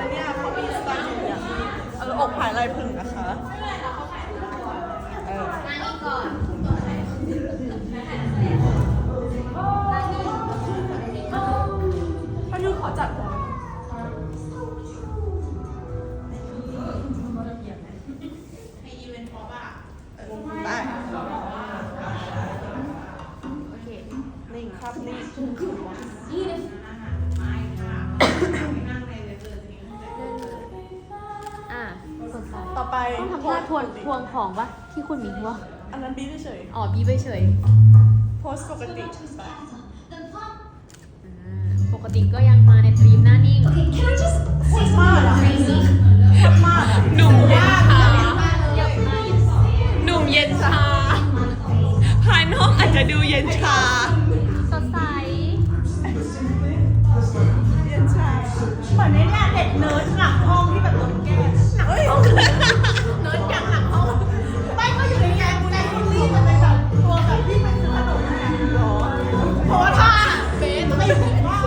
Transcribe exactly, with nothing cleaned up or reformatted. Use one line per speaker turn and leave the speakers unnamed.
นะเนี่ยเขามีสไตล์อย่างนี้เอออกผายลายผึ่งนะคะเออนั่งนี่ก่อนถ้ายูขอจัดหัวให้อีเวนต์พอป่ะเออไปโอเคนิ่งครับนิ่ง
อ่ะ
ต่อไป
ต้องทำท่าทวนทวงของปะที่คุณมีวะ
อันนั้นบีเฉย
อ๋อบีไปเฉย
โพสปกติไป
อ่าปกติก็ยังมาในตรีมหน้านิ่ง
โคตรมากอะโคตรมากอะ
หนุ่มเย็นชา
เยอะมาก
หนุ่มเย็นชา ภายนอกอาจจะดูเย็นชา
สดใส
เรียนชาเหมือนในเนี่ยเด็กเนิร์ดหลังห้องที่แบบโดนแกล้งหนังห้องเนิร์ดอย่างหลังห้องไม่ก็อยู่ในแกงแกงคุณลี่จะเป็นแบบตัวแบบที่เป็นขนมแห้งหรอเพราะว่าถ้าเบสไม่ถึงว่า